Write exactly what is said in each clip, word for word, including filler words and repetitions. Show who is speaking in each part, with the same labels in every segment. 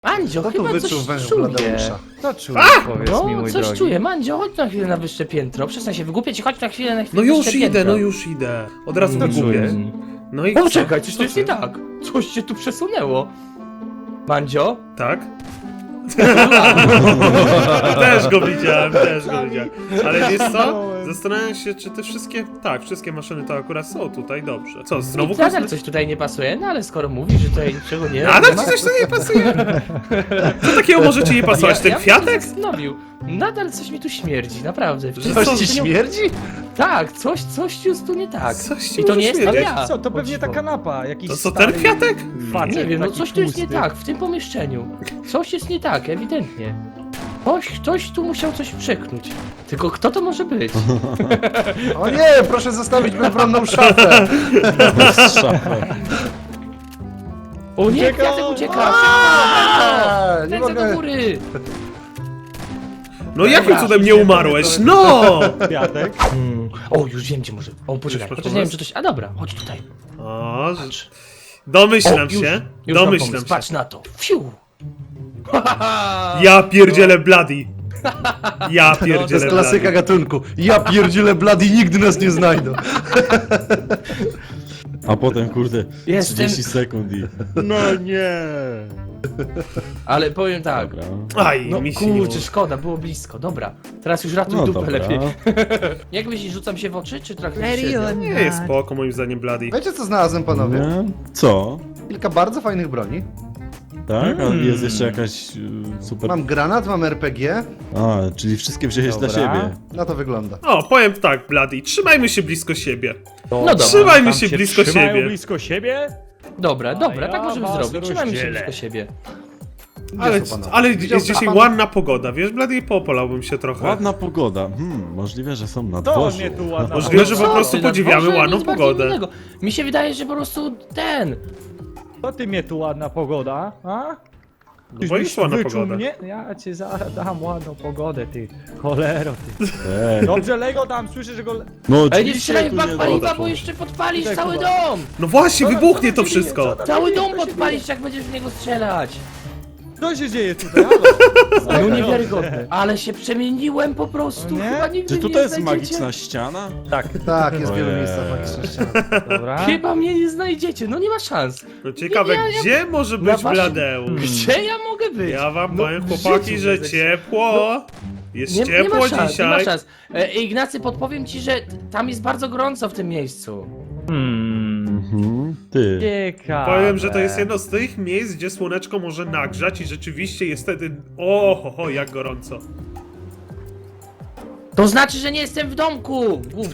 Speaker 1: Mandzio,
Speaker 2: Kto tu
Speaker 1: chyba
Speaker 2: wyczuł
Speaker 1: coś
Speaker 2: węż
Speaker 1: czuje.
Speaker 2: Bladeusza?
Speaker 3: No czuję, powiedz
Speaker 1: No,
Speaker 3: mi, mój
Speaker 1: coś
Speaker 3: drogi.
Speaker 1: czuję. Mandzio, chodź na chwilę na wyższe piętro. Przestań się wygłupiać, chodź na chwilę na
Speaker 4: No
Speaker 1: chwilę
Speaker 4: już
Speaker 1: wyższe
Speaker 4: idę,
Speaker 1: piętro.
Speaker 4: no już idę. Od razu
Speaker 3: No
Speaker 4: wygubię.
Speaker 3: czujesz?
Speaker 4: No i
Speaker 1: O,
Speaker 4: co?
Speaker 1: czekaj, coś
Speaker 4: Co
Speaker 1: tu jest
Speaker 4: ty?
Speaker 1: nie tak. Coś się tu przesunęło. Mandzio?
Speaker 4: Tak? Też go widziałem, też go widziałem. Ale wiesz co? Zastanawiam się, czy te wszystkie... Tak, wszystkie maszyny to akurat są tutaj, dobrze. Co, znowu
Speaker 1: Nadal
Speaker 4: kosmy...
Speaker 1: coś tutaj nie pasuje, no ale skoro mówisz, że tutaj niczego nie...
Speaker 4: Nadal
Speaker 1: nie
Speaker 4: ci
Speaker 1: ma-
Speaker 4: coś tu nie pasuje? Co takiego może ci nie pasować? Ten
Speaker 1: ja bym
Speaker 4: kwiatek?
Speaker 1: się zastanowił. Nadal coś mi tu śmierdzi, naprawdę.
Speaker 4: Że
Speaker 2: Coś
Speaker 4: co,
Speaker 2: ci
Speaker 4: że-
Speaker 2: śmierdzi?
Speaker 1: Tak, coś, coś jest tu nie tak.
Speaker 4: Coś ci
Speaker 1: I to
Speaker 4: może
Speaker 1: nie jestem
Speaker 4: śmierdzieć.
Speaker 1: ja.
Speaker 3: Co, to
Speaker 1: O
Speaker 3: pewnie ta
Speaker 1: dziwo.
Speaker 3: kanapa, jakiś
Speaker 4: To co,
Speaker 3: stary
Speaker 4: ten kwiatek?
Speaker 3: facet,
Speaker 1: Nie wiem, no
Speaker 3: taki
Speaker 1: coś tu jest nie
Speaker 3: tłusty.
Speaker 1: tak w tym pomieszczeniu. Coś jest nie tak, ewidentnie. Ktoś, ktoś tu musiał coś przeknąć. Tylko kto to może być?
Speaker 2: O nie, proszę zostawić bezbronną szafę.
Speaker 1: O nie,
Speaker 3: Ucieka!
Speaker 1: kwiatek ucieka!
Speaker 2: Aaa, nie
Speaker 1: Ręce do
Speaker 2: mogę.
Speaker 1: góry!
Speaker 4: No jakim
Speaker 1: Dobra,
Speaker 4: cudem nie umarłeś? No!
Speaker 3: Kwiatek?
Speaker 1: Hmm. O, już wiem gdzie może. O, poczekaj,
Speaker 4: masz
Speaker 1: chociaż nie wiem
Speaker 4: pomysł?
Speaker 1: czy coś... A dobra, chodź tutaj.
Speaker 4: O, że...
Speaker 1: Patrz.
Speaker 4: Domyślam
Speaker 1: O, już,
Speaker 4: się.
Speaker 1: już mam
Speaker 4: Domyślam
Speaker 1: pomysł,
Speaker 4: się.
Speaker 1: patrz na to. Fiu!
Speaker 4: Ja pierdzielę Bloody. Ja
Speaker 2: To
Speaker 4: pierdzielę
Speaker 2: jest klasyka
Speaker 4: Bloody.
Speaker 2: gatunku. Ja pierdzielę Bloody, nigdy nas nie znajdą.
Speaker 5: A potem, kurde,
Speaker 1: Jestem-
Speaker 5: trzydzieści sekund i... No nie!
Speaker 1: Ale powiem tak.
Speaker 5: Dobra.
Speaker 4: Aj,
Speaker 1: No
Speaker 4: mi się nie
Speaker 1: kurczę,
Speaker 4: uda.
Speaker 1: szkoda, było blisko. Dobra, teraz już ratuj
Speaker 5: No
Speaker 1: dupę
Speaker 5: dobra.
Speaker 1: lepiej. Jak myślisz, rzucam się w oczy, czy traktujesz się?
Speaker 4: Nie jest spoko moim zdaniem Bloody.
Speaker 2: Wiecie co znalazłem, panowie?
Speaker 5: Nie? Co?
Speaker 2: Kilka bardzo fajnych broni.
Speaker 5: Tak? A
Speaker 1: Mm.
Speaker 5: jest jeszcze jakaś y, super...
Speaker 2: Mam granat, mam R P G.
Speaker 5: A, czyli wszystkie wziąłeś dla
Speaker 3: Dobra.
Speaker 5: siebie.
Speaker 2: Na to wygląda.
Speaker 4: O, powiem tak, Bloody, trzymajmy się blisko siebie.
Speaker 1: No dobra,
Speaker 4: Trzymajmy
Speaker 3: Tam
Speaker 4: się blisko
Speaker 3: trzymają
Speaker 4: siebie.
Speaker 3: blisko siebie?
Speaker 1: dobra, dobra,
Speaker 3: A
Speaker 1: tak
Speaker 3: ja
Speaker 1: możemy
Speaker 3: was
Speaker 1: zrobić. Trzymajmy się
Speaker 3: rozdzielę.
Speaker 1: blisko siebie.
Speaker 2: Gdzie
Speaker 4: Ale,
Speaker 2: są panowie?
Speaker 4: ale
Speaker 2: Widział
Speaker 4: jest dzisiaj
Speaker 2: pan-
Speaker 4: ładna pogoda, wiesz, Bloody, popolałbym się trochę.
Speaker 5: Ładna pogoda. Hmm, możliwe, że są na
Speaker 3: To
Speaker 5: dworzu.
Speaker 3: mnie tu ładna
Speaker 4: Możliwe, że
Speaker 1: Co
Speaker 4: po prostu
Speaker 1: ty, na
Speaker 4: podziwiamy
Speaker 1: dworze
Speaker 4: ładną
Speaker 1: nic bardziej
Speaker 4: pogodę.
Speaker 1: innego. Mi się wydaje, że po prostu ten...
Speaker 3: To ty mnie tu ładna pogoda, a?
Speaker 4: No
Speaker 3: Tyś
Speaker 4: bo
Speaker 3: byś
Speaker 4: jest ładna
Speaker 3: wyczuł
Speaker 4: pogoda.
Speaker 3: mnie? Ja ci zaraz dam ładną pogodę, ty. Cholero, ty.
Speaker 5: Ej.
Speaker 3: Dobrze, Lego tam, słyszę, że go...
Speaker 5: No
Speaker 1: Ej, nie
Speaker 5: oczywiście
Speaker 1: strzelaj w
Speaker 5: tu
Speaker 1: bak
Speaker 5: nie
Speaker 1: paliwa,
Speaker 5: dotrą.
Speaker 1: bo jeszcze podpalisz
Speaker 3: Tutaj,
Speaker 1: cały
Speaker 3: Kuba.
Speaker 1: dom!
Speaker 4: No właśnie,
Speaker 3: Co tam-
Speaker 4: wybuchnie
Speaker 3: co
Speaker 4: to
Speaker 3: tam się dzieje?
Speaker 4: wszystko.
Speaker 3: Co tam
Speaker 1: Cały
Speaker 3: się dzieje?
Speaker 1: dom
Speaker 3: Co się
Speaker 1: podpalisz, jak będziesz w niego strzelać!
Speaker 3: Co się dzieje tutaj? Halo?
Speaker 1: No niewiarygodne. Ale się przemieniłem po prostu,
Speaker 3: Nie?
Speaker 1: chyba nigdy
Speaker 5: Czy
Speaker 1: nie
Speaker 5: tutaj jest
Speaker 1: znajdziecie.
Speaker 5: magiczna ściana?
Speaker 3: Tak,
Speaker 2: Tak, jest w wielu
Speaker 5: Ojej.
Speaker 2: miejscach magiczna ściana.
Speaker 3: dobra.
Speaker 1: Chyba mnie nie znajdziecie, no nie ma szans.
Speaker 4: No ciekawe,
Speaker 1: Ja- ja-
Speaker 4: gdzie może
Speaker 1: Na
Speaker 4: być
Speaker 1: waszym-
Speaker 4: Bladeusz?
Speaker 1: Gdzie ja mogę być?
Speaker 4: Ja wam
Speaker 1: No,
Speaker 4: powiem,
Speaker 1: w
Speaker 4: chłopaki,
Speaker 1: życiu
Speaker 4: że
Speaker 1: nie
Speaker 4: ciepło. Jest
Speaker 1: Nie, nie
Speaker 4: ciepło
Speaker 1: ma szans, nie ma
Speaker 4: dzisiaj.
Speaker 1: szans. E, Ignacy, podpowiem ci, że tam jest bardzo gorąco w tym miejscu.
Speaker 3: Hmm.
Speaker 5: Mhm. Ty.
Speaker 3: Ciekawe.
Speaker 4: Powiem, że to jest jedno z tych miejsc, gdzie słoneczko może nagrzać i rzeczywiście jest wtedy... O, ho, ho, jak gorąco.
Speaker 1: To znaczy, że nie jestem w domku, głupcy.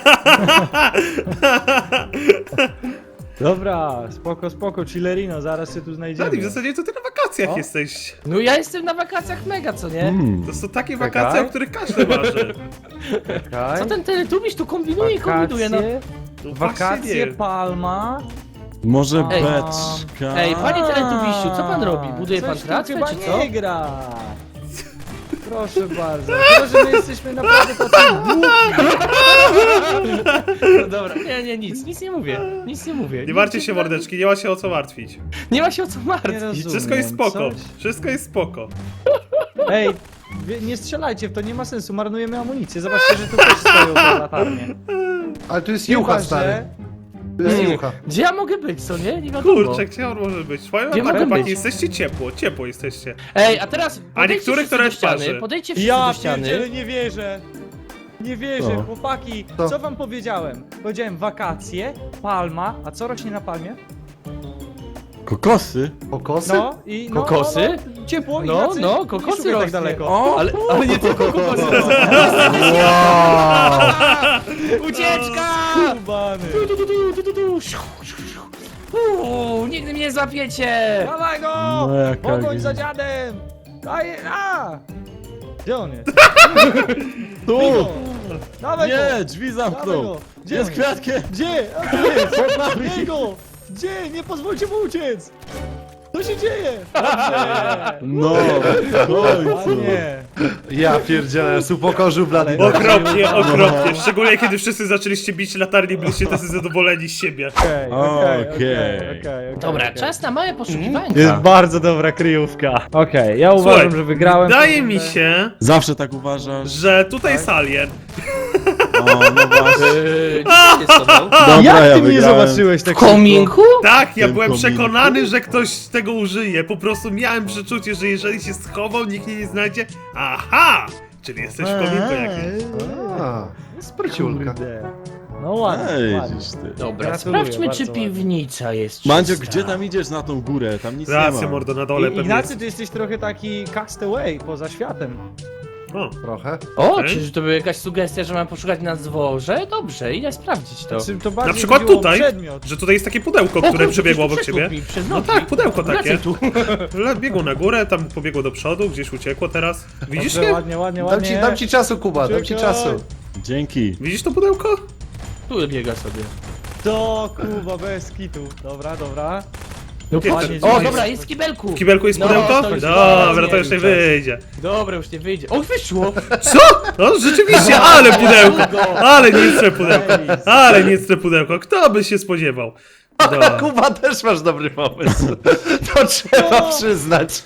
Speaker 3: Dobra, spoko, spoko, chillerino, zaraz się tu znajdziemy.
Speaker 4: Blady, w zasadzie to ty na wakacjach
Speaker 3: O.
Speaker 4: jesteś.
Speaker 1: No ja jestem na wakacjach mega, co nie?
Speaker 5: Hmm.
Speaker 4: To są takie
Speaker 3: Czekaj.
Speaker 4: wakacje, o których każdy marzy.
Speaker 3: Czekaj.
Speaker 1: Co ten teletubisz tu kombinuje i kombinuje, no.
Speaker 3: Wakacje,
Speaker 4: No właśnie
Speaker 3: wakacje,
Speaker 4: nie.
Speaker 3: Palma.
Speaker 5: Może
Speaker 1: Ej.
Speaker 5: beczka?
Speaker 1: Ej, panie teletubisiu, co pan robi? Buduje
Speaker 3: Coś
Speaker 1: pan
Speaker 3: tu
Speaker 1: tratwę,
Speaker 3: chyba
Speaker 1: czy co?
Speaker 3: nie gra. Proszę bardzo. Chyba, że my jesteśmy naprawdę tacy głupi.
Speaker 1: No dobra, nie, nie, nic, nic nie mówię, nic nie mówię.
Speaker 4: Nie martwcie się, mordeczki, nie ma się o co martwić.
Speaker 1: Nie ma się o co
Speaker 3: Nie
Speaker 1: martwić.
Speaker 3: rozumiem.
Speaker 4: Wszystko jest spoko.
Speaker 3: Coś?
Speaker 4: Wszystko jest spoko.
Speaker 3: Ej, wie- nie strzelajcie w to, nie ma sensu, marnujemy amunicję. Zobaczcie, że tu też stoją te latarnie.
Speaker 2: Ale tu jest
Speaker 3: Chyba,
Speaker 2: jucha,
Speaker 3: że-
Speaker 2: stary. Tu jest
Speaker 1: Hmm,
Speaker 2: jucha.
Speaker 1: Gdzie ja mogę być, co nie? Nie wiadomo.
Speaker 4: Kurczę, gdzie on może być? Powiem
Speaker 1: Gdzie
Speaker 4: wam tak,
Speaker 1: mogę
Speaker 4: chłopaki,
Speaker 1: być?
Speaker 4: jesteście ciepło, ciepło jesteście.
Speaker 1: Ej, a teraz podejdźcie
Speaker 4: niektórych
Speaker 1: wszyscy
Speaker 4: to
Speaker 1: do
Speaker 4: też
Speaker 1: ściany,
Speaker 4: parzy.
Speaker 1: podejdźcie wszyscy
Speaker 3: Ja
Speaker 1: do ściany.
Speaker 3: pierdzielę, nie wierzę. Nie wierzę,
Speaker 5: Co?
Speaker 3: chłopaki.
Speaker 2: Co?
Speaker 3: Co wam powiedziałem? Powiedziałem wakacje, palma, a co rośnie na palmie?
Speaker 5: Kokosy?
Speaker 2: Kokosy?
Speaker 3: No i no,
Speaker 1: Kokosy?
Speaker 3: No, no, ciepło,
Speaker 1: No,
Speaker 3: Ignacy,
Speaker 1: no,
Speaker 3: nie
Speaker 1: kokosy
Speaker 3: szukaj tak
Speaker 1: rośnie.
Speaker 3: daleko.
Speaker 1: O, ale, ale nie tylko kokosy. Ucieczka!
Speaker 3: Kubany.
Speaker 1: Tu, tu, tu, tu, tu, tu, tu. Siu, siu, siu. Uuu, nigdy mnie nie złapiecie!
Speaker 3: Dawaj go!
Speaker 5: No, jaka
Speaker 3: Pogoń
Speaker 5: gry-
Speaker 3: za dziadem! Daj, a! Gdzie on jest?
Speaker 5: Tu!
Speaker 3: Bigo! Dawaj go!
Speaker 5: Nie, drzwi
Speaker 3: Dawaj
Speaker 5: zamknął!
Speaker 3: go! Gdzie
Speaker 5: Jest
Speaker 3: on
Speaker 5: kwiatkiem!
Speaker 3: Gdzie? A tu jest! Bierz go! Gdzie? Nie pozwólcie mu uciec! Co się dzieje? Dobrze!
Speaker 5: No, w końcu!
Speaker 3: Ładnie!
Speaker 2: Ja pierdzielę, upokorzył blady.
Speaker 4: Okropnie, okropnie. Szczególnie kiedy wszyscy zaczęliście bić latarnie, byliście tacy zadowoleni z siebie.
Speaker 3: Okej, okej,
Speaker 5: Okej.
Speaker 3: okej, okej,
Speaker 1: Dobra,
Speaker 3: okej.
Speaker 1: czas na małe poszukiwania.
Speaker 3: Jest bardzo dobra kryjówka. Okej, ja uważam,
Speaker 4: Słuchaj,
Speaker 3: że wygrałem.
Speaker 4: wydaje mi się,
Speaker 5: Zawsze tak uważasz?
Speaker 4: że tutaj jest alien.
Speaker 5: O, no właśnie.
Speaker 1: Yy, co się z tobą?
Speaker 5: Dobra,
Speaker 3: Jak
Speaker 5: ja
Speaker 3: ty mnie
Speaker 5: wygrałem.
Speaker 3: zobaczyłeś tak
Speaker 1: W kominku?
Speaker 4: Tak, ja
Speaker 5: Tym
Speaker 4: byłem
Speaker 5: kominku.
Speaker 4: przekonany, że ktoś z tego użyje. Po prostu miałem przeczucie, że jeżeli się schował, nikt mnie nie znajdzie. Aha! Czyli jesteś w kominku jakimś.
Speaker 2: A, spryciulka.
Speaker 3: Kurde. No ładnie,
Speaker 5: Ej,
Speaker 3: ładnie.
Speaker 5: widzisz ty.
Speaker 1: Dobra,
Speaker 3: Gratuluję,
Speaker 1: sprawdźmy, czy
Speaker 3: bardzo ładnie.
Speaker 1: piwnica jest
Speaker 5: Mandzio,
Speaker 1: czysta.
Speaker 5: gdzie tam idziesz na tą górę? Tam nic nie
Speaker 4: Racja,
Speaker 5: ma.
Speaker 4: mordo, na dole
Speaker 3: I,
Speaker 4: pewnie
Speaker 3: Ignacy,
Speaker 4: jest.
Speaker 3: ty jesteś trochę taki castaway poza światem.
Speaker 4: O,
Speaker 2: Trochę.
Speaker 1: O,
Speaker 4: Okej.
Speaker 1: czyż to była jakaś sugestia, że mam poszukać na dworze? Dobrze, idę sprawdzić to.
Speaker 3: Znaczy, to bardziej
Speaker 4: na przykład
Speaker 3: chodziło o
Speaker 4: tutaj,
Speaker 3: przedmiot.
Speaker 4: że tutaj jest takie pudełko,
Speaker 1: O,
Speaker 4: które
Speaker 1: kurde,
Speaker 4: przebiegło
Speaker 1: ktoś
Speaker 4: obok
Speaker 1: tu
Speaker 4: ciebie.
Speaker 1: przeszedł mi przez
Speaker 4: No
Speaker 1: nogi.
Speaker 4: tak, pudełko takie.
Speaker 1: Wracaj tu.
Speaker 4: Le- Biegło na górę, tam pobiegło do przodu, gdzieś uciekło teraz. Widzisz
Speaker 3: Dobrze,
Speaker 4: je?
Speaker 3: ładnie, ładnie,
Speaker 2: Dam
Speaker 3: ładnie.
Speaker 2: ci, dam ci czasu, Kuba, dam ci
Speaker 3: Czekaj.
Speaker 2: czasu.
Speaker 5: Dzięki.
Speaker 4: Widzisz to pudełko?
Speaker 1: Tu biega sobie.
Speaker 3: To Kuba, bez kitu. Dobra, dobra.
Speaker 1: No
Speaker 4: Gdzie
Speaker 1: patrz.
Speaker 4: to-
Speaker 1: O,
Speaker 3: jest?
Speaker 1: dobra, jest w kibelku.
Speaker 4: W kibelku jest
Speaker 1: No,
Speaker 4: pudełko?
Speaker 1: to już
Speaker 4: Dobra,
Speaker 1: nie
Speaker 4: to już nie
Speaker 1: wiem,
Speaker 4: wyjdzie.
Speaker 1: Dobra, już nie wyjdzie. O, wyszło!
Speaker 4: Co? No rzeczywiście, ale pudełko! Ale niecne pudełko! Ale niecne pudełko! Kto by się spodziewał? Dobra.
Speaker 2: Kuba, też masz dobry pomysł. To trzeba przyznać.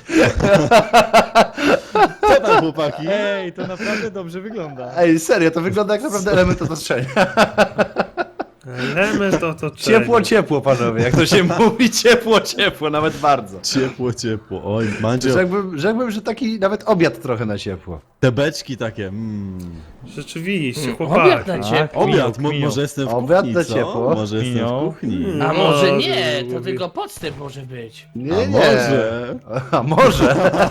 Speaker 5: Co tam, chłopaki?
Speaker 3: Ej, to naprawdę dobrze wygląda.
Speaker 2: Ej, serio, to wygląda jak naprawdę element otoczenia.
Speaker 4: Element otoczenia.
Speaker 2: Ciepło, ciepło, panowie. Jak to się mówi, ciepło, ciepło, nawet bardzo.
Speaker 5: Ciepło, ciepło. Oj, Mandzio,
Speaker 2: Rzekłbym, rzekłbym, że taki nawet obiad trochę na ciepło.
Speaker 5: te beczki takie, mmm.
Speaker 4: Rzeczywiście,
Speaker 1: Obiad
Speaker 4: chłopaki.
Speaker 1: na ciebie.
Speaker 5: Obiad, mo-
Speaker 3: kminią.
Speaker 5: może jestem w
Speaker 2: Obiad
Speaker 5: kuchni,
Speaker 2: na
Speaker 5: co?
Speaker 2: ciepło.
Speaker 5: Może jestem
Speaker 3: Kminią.
Speaker 5: w kuchni.
Speaker 4: Mm.
Speaker 1: A może
Speaker 4: No,
Speaker 1: nie, to
Speaker 4: lubię.
Speaker 1: tylko podstęp może być.
Speaker 2: Nie,
Speaker 5: A
Speaker 2: nie.
Speaker 5: może?
Speaker 2: A może?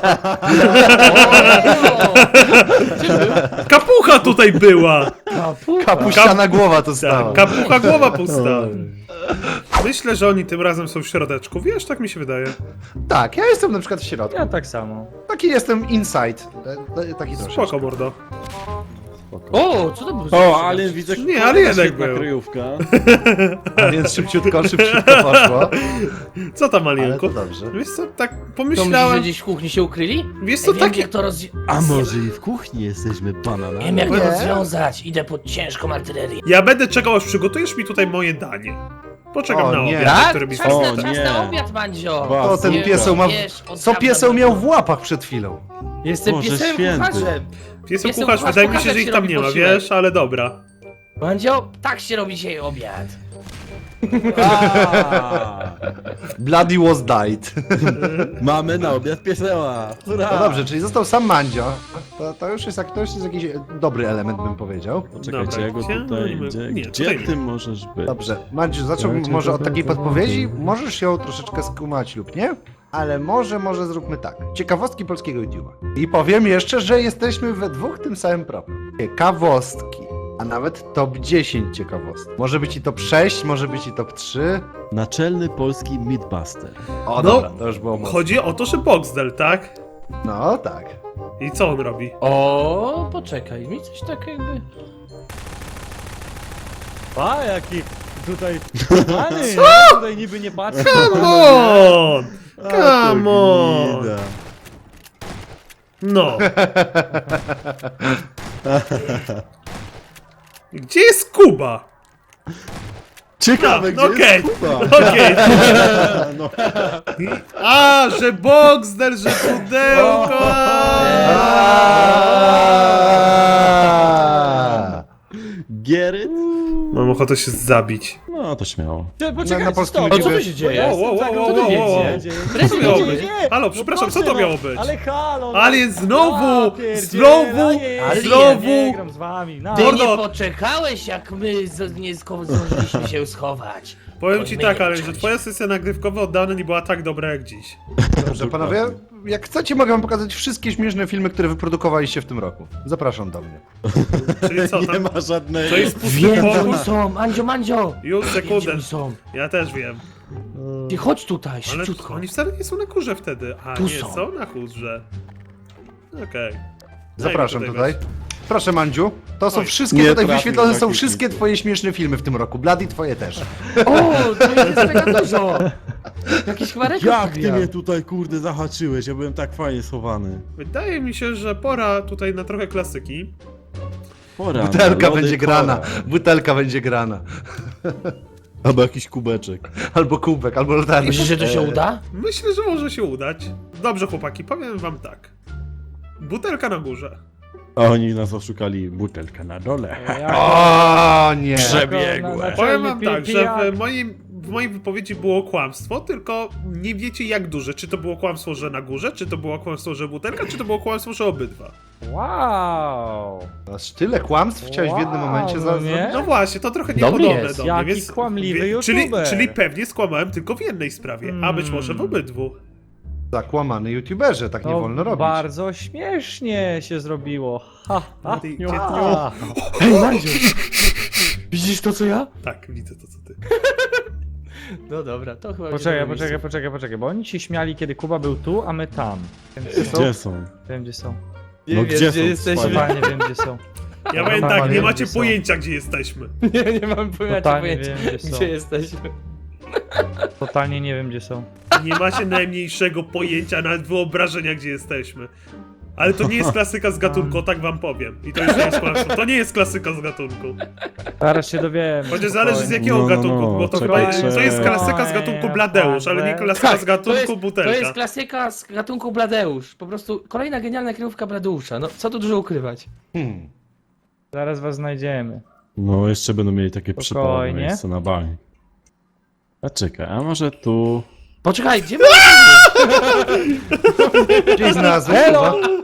Speaker 4: Kapucha tutaj była!
Speaker 2: Kapuściana głowa to stała.
Speaker 4: Tak, kapucha głowa pusta. Myślę, że oni tym razem są w środeczku, wiesz, tak mi się wydaje.
Speaker 2: Tak, ja jestem na przykład w środku.
Speaker 3: Ja tak samo.
Speaker 2: Taki jestem inside. E, e, Taki troszeczkę.
Speaker 4: Spoko, mordo.
Speaker 1: O, co to było? za
Speaker 5: O,
Speaker 1: rzecz?
Speaker 5: ale widzę,
Speaker 4: Nie, ale jednak
Speaker 5: świetna
Speaker 4: był.
Speaker 5: kryjówka.
Speaker 2: A więc szybciutko, szybciutko poszło.
Speaker 4: Co tam,
Speaker 2: Ale
Speaker 4: Alienku?
Speaker 2: to dobrze.
Speaker 4: Wiesz co, tak
Speaker 1: To myślisz, że
Speaker 4: pomyślałem...
Speaker 1: gdzieś w kuchni się ukryli?
Speaker 4: Wiesz co,
Speaker 1: Ja wiem,
Speaker 4: takie...
Speaker 1: jak to roz...
Speaker 5: A może i w kuchni jesteśmy
Speaker 1: Wiem,
Speaker 5: bananami?
Speaker 1: jak to
Speaker 2: Nie.
Speaker 1: rozwiązać. Idę pod ciężką artylerię.
Speaker 4: Ja będę czekał, aż przygotujesz mi tutaj moje danie. Poczekam
Speaker 2: O,
Speaker 4: na
Speaker 2: nie.
Speaker 4: obiad,
Speaker 1: Tak?
Speaker 4: który mi
Speaker 1: Czas
Speaker 5: O,
Speaker 1: na,
Speaker 4: sprzeda.
Speaker 1: czas
Speaker 5: nie.
Speaker 1: na obiad, Mandzio.
Speaker 5: Ba,
Speaker 2: To ten
Speaker 1: Wiesz,
Speaker 2: pieseł ma...
Speaker 1: wiesz, od
Speaker 2: Co
Speaker 1: dawna
Speaker 2: pieseł
Speaker 1: do-
Speaker 2: miał w łapach przed chwilą?
Speaker 1: Jestem
Speaker 5: Boże
Speaker 1: piesem
Speaker 5: święty.
Speaker 1: kucharzem.
Speaker 4: Pieseł
Speaker 1: Pieseł
Speaker 4: kucharz,
Speaker 1: kucharz
Speaker 4: wydaje mi się,
Speaker 1: pokaże,
Speaker 4: że
Speaker 1: jak
Speaker 4: ich
Speaker 1: się
Speaker 4: tam
Speaker 1: robi
Speaker 4: nie ma,
Speaker 1: posiłek.
Speaker 4: wiesz, ale dobra.
Speaker 1: Mandzio, tak się robi dzisiaj obiad.
Speaker 5: A,
Speaker 2: Bloody was died.
Speaker 5: mamy na obiad pieseła. Hurra!
Speaker 2: No dobrze, czyli został sam Mandzio. To, to, już jest, jak- to już jest jakiś dobry element, bym powiedział.
Speaker 5: Poczekajcie,
Speaker 4: Dobra,
Speaker 5: ja go
Speaker 4: gdzie
Speaker 5: tutaj,
Speaker 4: my-
Speaker 5: gdzie,
Speaker 4: nie,
Speaker 5: gdzie
Speaker 4: tutaj
Speaker 5: ty możesz być?
Speaker 2: Dobrze, Mandziu, zacząłbym
Speaker 5: Ja cię
Speaker 2: może od
Speaker 5: dobra
Speaker 2: takiej
Speaker 5: zobaczę.
Speaker 2: podpowiedzi. Możesz ją troszeczkę skumać lub nie, ale może, może zróbmy tak. Ciekawostki polskiego YouTube'a. I powiem jeszcze, że jesteśmy we dwóch tym samym problem. Ciekawostki, a nawet top dziesięć ciekawostek. Może być i top sześć, może być i top trzy.
Speaker 5: Naczelny polski Mythbuster.
Speaker 2: O,
Speaker 4: No,
Speaker 2: dobra, to już było mocno.
Speaker 4: Chodzi o to, że Boxdel, tak?
Speaker 2: No, tak.
Speaker 4: I co on robi?
Speaker 1: O, poczekaj, mi coś tak jakby...
Speaker 3: A, jaki tutaj... Pany, tutaj niby nie patrzę.
Speaker 4: Come on!
Speaker 5: A,
Speaker 4: Come
Speaker 5: to
Speaker 4: on!
Speaker 5: gnida.
Speaker 4: No. Gdzie jest Kuba?
Speaker 5: Ciekawe,
Speaker 4: A,
Speaker 5: gdzie
Speaker 4: okej.
Speaker 5: jest Kuba?
Speaker 4: Okej.
Speaker 5: No.
Speaker 4: A, że Boxdel, że pudełko!
Speaker 2: Aaaa!
Speaker 5: Gieryt?
Speaker 4: Mam ochotę się zabić.
Speaker 5: No to śmiało.
Speaker 3: Poczekaj,
Speaker 2: Na- na polskim
Speaker 3: stop.
Speaker 1: O, co
Speaker 2: YouTube-
Speaker 1: tu się dzieje?
Speaker 4: Wow, wow, wow, wow,
Speaker 1: Co tu
Speaker 4: wow, wow.
Speaker 1: dzieje?
Speaker 4: Co to miało
Speaker 1: Co
Speaker 4: być?
Speaker 1: dzieje?
Speaker 4: Halo, przepraszam, co to
Speaker 3: proszę,
Speaker 4: miało
Speaker 3: no,
Speaker 4: być?
Speaker 3: Ale halo! no.
Speaker 4: Alien znowu!
Speaker 3: Ja pierdzielę,
Speaker 4: Znowu!
Speaker 3: Alien.
Speaker 1: Alien.
Speaker 4: Znowu!
Speaker 3: Nie gram z wami, na.
Speaker 1: Ty
Speaker 4: Mordo.
Speaker 1: nie poczekałeś, jak my z, nie sko- zdążyliśmy się schować.
Speaker 4: Powiem
Speaker 1: Oj,
Speaker 4: ci
Speaker 1: my
Speaker 4: tak,
Speaker 1: nie
Speaker 4: ale że
Speaker 1: poczekaliśmy.
Speaker 4: twoja sesja nagrywkowa od dawna nie była tak dobra jak dziś.
Speaker 2: Dobrze, panowie, jak chcecie, mogę wam pokazać wszystkie śmieszne filmy, które wyprodukowaliście w tym roku. Zapraszam do mnie.
Speaker 4: Czyli co
Speaker 5: Nie
Speaker 4: tam?
Speaker 5: ma żadnego.
Speaker 4: To jest pusty
Speaker 1: Wiem, gdzie
Speaker 4: pokój?
Speaker 1: oni są, Mandzio, Mandzio!
Speaker 4: Już
Speaker 1: Wiem, gdzie
Speaker 4: sekundę.
Speaker 1: oni są.
Speaker 4: Ja też wiem.
Speaker 1: Ty chodź tutaj,
Speaker 4: Ale
Speaker 1: szybciutko.
Speaker 4: oni wcale nie są na kurze wtedy. A,
Speaker 1: Tu
Speaker 4: nie
Speaker 1: są.
Speaker 4: są na kurze. Okej.
Speaker 2: Zapraszam
Speaker 4: Daj mi
Speaker 2: tutaj. Proszę, Mandziu. To są
Speaker 4: Oj,
Speaker 2: wszystkie,
Speaker 5: nie
Speaker 2: tutaj
Speaker 5: trafił
Speaker 2: wyświetlone są
Speaker 5: taki
Speaker 2: wszystkie
Speaker 5: film.
Speaker 2: twoje śmieszne filmy w tym roku. Bloody twoje też.
Speaker 1: O, to jest mega dużo! Jakiś chmarek
Speaker 5: Jak ty mnie tutaj, kurde, zahaczyłeś? Ja byłem tak fajnie schowany.
Speaker 4: Wydaje mi się, że pora tutaj na trochę klasyki.
Speaker 5: Pora,
Speaker 2: Butelka
Speaker 5: na lody,
Speaker 2: będzie grana.
Speaker 5: pora.
Speaker 2: Butelka będzie grana.
Speaker 5: Albo jakiś kubeczek.
Speaker 2: Albo kubek, albo latarnia.
Speaker 1: Myślisz, że to się
Speaker 5: Eee.
Speaker 1: uda?
Speaker 4: Myślę, że może się udać. Dobrze, chłopaki, powiem wam tak. Butelka na górze.
Speaker 5: A oni nas oszukali, butelka na dole.
Speaker 2: O nie!
Speaker 5: Przebiegłe.
Speaker 4: Powiem wam tak, że
Speaker 3: pijak.
Speaker 4: w moim, w mojej wypowiedzi było kłamstwo, tylko nie wiecie jak duże. Czy to było kłamstwo, że na górze, czy to było kłamstwo, że butelka, czy to było kłamstwo, że obydwa.
Speaker 3: Wow!
Speaker 2: Aż tyle kłamstw chciałeś w jednym
Speaker 3: Wow,
Speaker 2: momencie za...
Speaker 3: no nie?
Speaker 4: No właśnie, to trochę
Speaker 1: Dobry
Speaker 4: niepodobne
Speaker 1: jest.
Speaker 4: do mnie,
Speaker 3: Jaki
Speaker 4: więc...
Speaker 3: kłamliwy
Speaker 4: wie- czyli,
Speaker 3: youtuber.
Speaker 4: czyli pewnie skłamałem tylko w jednej sprawie, a być może w
Speaker 3: Hmm.
Speaker 4: obydwu.
Speaker 2: Zakłamany youtuberze, tak nie
Speaker 3: To
Speaker 2: wolno robić.
Speaker 3: bardzo śmiesznie się zrobiło. Ha, ha,
Speaker 4: Ty-
Speaker 3: niu,
Speaker 4: ty-
Speaker 3: ha.
Speaker 1: Hej, Mandziu! Widzisz to, co ja?
Speaker 4: Tak, widzę to co ty.
Speaker 1: No dobra, to chyba...
Speaker 3: Poczekaj,
Speaker 1: będzie
Speaker 3: poczekaj,
Speaker 1: dobre
Speaker 3: poczekaj, poczekaj, bo oni się śmiali, kiedy Kuba był tu, a my tam. Wiem, gdzie są.
Speaker 5: Gdzie są?
Speaker 3: Wiem, gdzie są.
Speaker 1: miejsce.
Speaker 5: No
Speaker 1: Nie
Speaker 5: gdzie
Speaker 1: wiem,
Speaker 5: są?
Speaker 1: gdzie jesteśmy.
Speaker 3: Totalnie wiem, gdzie są.
Speaker 4: Ja powiem tak,
Speaker 3: Normalnie
Speaker 4: nie macie
Speaker 3: gdzie są.
Speaker 4: pojęcia gdzie jesteśmy.
Speaker 1: Nie, nie mam pojęcia,
Speaker 3: Totalnie
Speaker 1: pojęcia
Speaker 3: wiem, gdzie są.
Speaker 1: gdzie jesteśmy.
Speaker 3: Totalnie nie wiem, gdzie są.
Speaker 4: Nie macie najmniejszego pojęcia, nawet wyobrażenia gdzie jesteśmy. Ale to nie jest klasyka z gatunku, tak wam powiem. I to już nie jest kłamstwo. To nie jest klasyka z gatunku.
Speaker 3: Zaraz się dowiem.
Speaker 4: Chociaż zależy z jakiego
Speaker 5: No, no,
Speaker 4: gatunku,
Speaker 5: no,
Speaker 4: bo to
Speaker 5: czekaj,
Speaker 4: chyba to jest
Speaker 5: czekaj.
Speaker 4: klasyka z gatunku Bladeusz, ale nie klasyka
Speaker 1: Tak,
Speaker 4: z
Speaker 1: to
Speaker 4: gatunku
Speaker 1: jest, to
Speaker 4: butelka.
Speaker 1: jest klasyka z gatunku Bladeusz. Po prostu kolejna genialna kryjówka Bladeusza. No, co tu dużo ukrywać?
Speaker 2: Hmm.
Speaker 3: Zaraz was znajdziemy.
Speaker 5: No, jeszcze będą mieli takie przypałne
Speaker 3: Spokojnie.
Speaker 5: miejsce na bani. A czekaj, a może tu...
Speaker 1: Poczekaj, gdzie my
Speaker 2: Gdzieś znalazłeś,
Speaker 3: Hello!
Speaker 2: Kuba?